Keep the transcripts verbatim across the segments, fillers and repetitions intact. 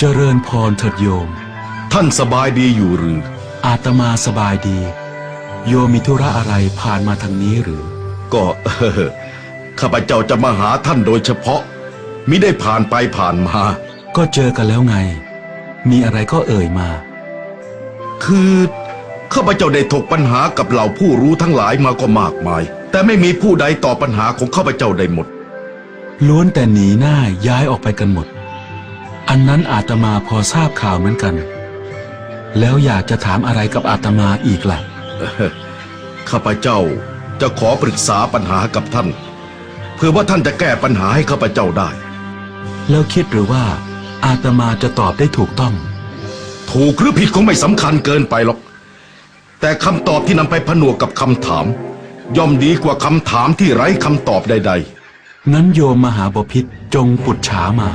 เจริญพรเถิดโยมท่านสบายดีอยู่หรืออาตมาสบายดีโยมมีธุระอะไรผ่านมาทางนี้หรือก็เออข้าพเจ้าจะมาหาท่านโดยเฉพาะมิได้ผ่านไปผ่านมาก็เจอกันแล้วไงมีอะไรก็เอ่ยมาคือข้าพเจ้าได้ถกปัญหากับเหล่าผู้รู้ทั้งหลายมาก็มากมายแต่ไม่มีผู้ใดตอบปัญหาของข้าพเจ้าได้หมดล้วนแต่หนีหน้าย้ายออกไปกันหมดอันนั้นอาตมาพอทราบข่าวเหมือนกันแล้วอยากจะถามอะไรกับอาตมาอีกล่ะข้าพเจ้าจะขอปรึกษาปัญหากับท่านเพื่อว่าท่านจะแก้ปัญหาให้ข้าพเจ้าได้แล้วคิดหรือว่าอาตมาจะตอบได้ถูกต้องถูกหรือผิดคงไม่สำคัญเกินไปหรอกแต่คำตอบที่นำไปผนวกกับคำถามย่อมดีกว่าคำถามที่ไร้คำตอบใดๆงั้นโยมมหาบพิตรจงปุจฉามา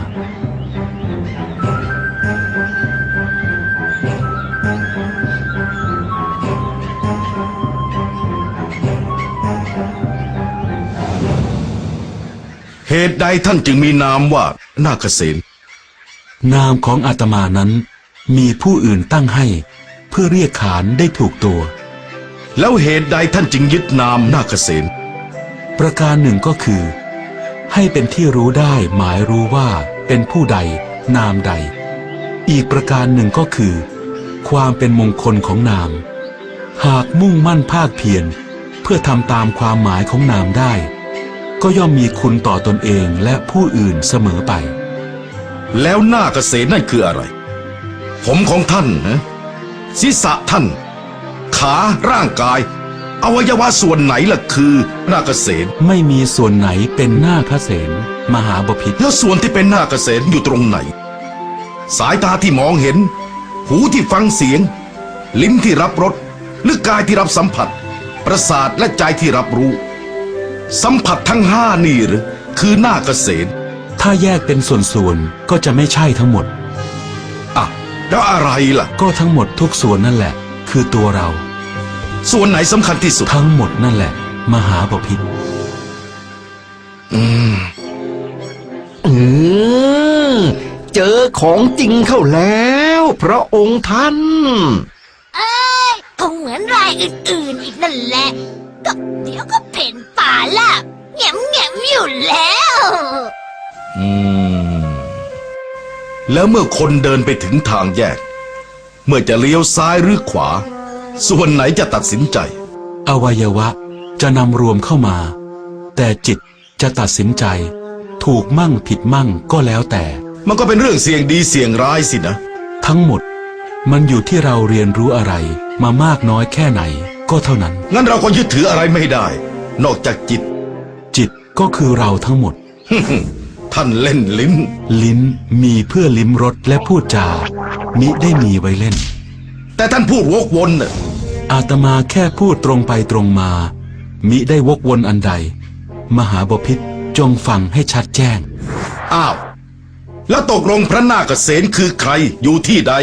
เหตุใดท่านจึงมีนามว่านาคเสนนามของอาตมานั้นมีผู้อื่นตั้งให้เพื่อเรียกขานได้ถูกตัวแล้วเหตุใดท่านจึงยึดนามนาคเสนประการหนึ่งก็คือให้เป็นที่รู้ได้หมายรู้ว่าเป็นผู้ใดนามใดอีกประการหนึ่งก็คือความเป็นมงคลของนามหากมุ่งมั่นภาคเพียรเพื่อทำตามความหมายของนามได้ก็ย่อมมีคุณต่อตนเองและผู้อื่นเสมอไปแล้วนาคเสนนั่นคืออะไรผมของท่านนะศีรษะท่านขาร่างกายอวัยวะส่วนไหนล่ะคือนาคเสนไม่มีส่วนไหนเป็นนาคเสนมหาบพิตรแล้วส่วนที่เป็นนาคเสนอยู่ตรงไหนสายตาที่มองเห็นหูที่ฟังเสียงลิ้นที่รับรสหรือกายที่รับสัมผัสประสาทและใจที่รับรู้สัมผัสทั้งห้านี่หรือคือนาคเสนถ้าแยกเป็นส่วนๆก็จะไม่ใช่ทั้งหมดอ่ะแล้วอะไรล่ะก็ทั้งหมดทุกส่วนนั่นแหละคือตัวเราส่วนไหนสำคัญที่สุดทั้งหมดนั่นแหละมหาบพิตรอืมอืมเจอของจริงเข้าแล้วพระองค์ท่านเอ้ยคงเหมือนรายอื่นๆอีกนั่นแหละก็เดี๋ยวก็เพ่นป่าละแง่มแง่มอยู่แล้วอืมแล้วเมื่อคนเดินไปถึงทางแยกเมื่อจะเลี้ยวซ้ายหรือขวาส่วนไหนจะตัดสินใจอวัยวะจะนำรวมเข้ามาแต่จิตจะตัดสินใจถูกมั่งผิดมั่งก็แล้วแต่มันก็เป็นเรื่องเสี่ยงดีเสี่ยงร้ายสินะทั้งหมดมันอยู่ที่เราเรียนรู้อะไรมามากน้อยแค่ไหนก็เท่านั้นงั้นเราก็ยึดถืออะไรไม่ได้นอกจากจิตจิตก็คือเราทั้งหมดท่านเล่นลิ้นลิ้นมีเพื่อลิ้มรสและพูดจามิได้มีไว้เล่นแต่ท่านพูดวกวนน่ะอาตมาแค่พูดตรงไปตรงมามิได้วกวนอันใดมหาบพิตรจงฟังให้ชัดแจ้งอ้าวแล้วตกลงพระนาคเสนคือใครอยู่ที่ใด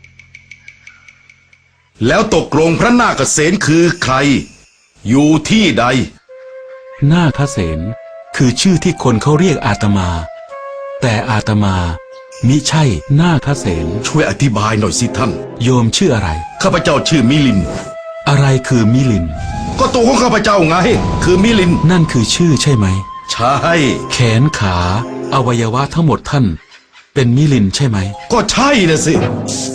แล้วตกลงพระนาคเสนคือใครอยู่ที่ใดนาคเสนคือชื่อที่คนเขาเรียกอาตมาแต่อาตมามิใช่นาคเสนช่วยอธิบายหน่อยสิท่านโยมชื่ออะไรข้าพเจ้าชื่อมิลินอะไรคือมิลินก็ตัวของข้าพเจ้าไงคือมิลินนั่นคือชื่อใช่ไหมใช่แขนขาอวัยวะทั้งหมดท่านเป็นมิลินใช่ไหมก็ใช่นะสิ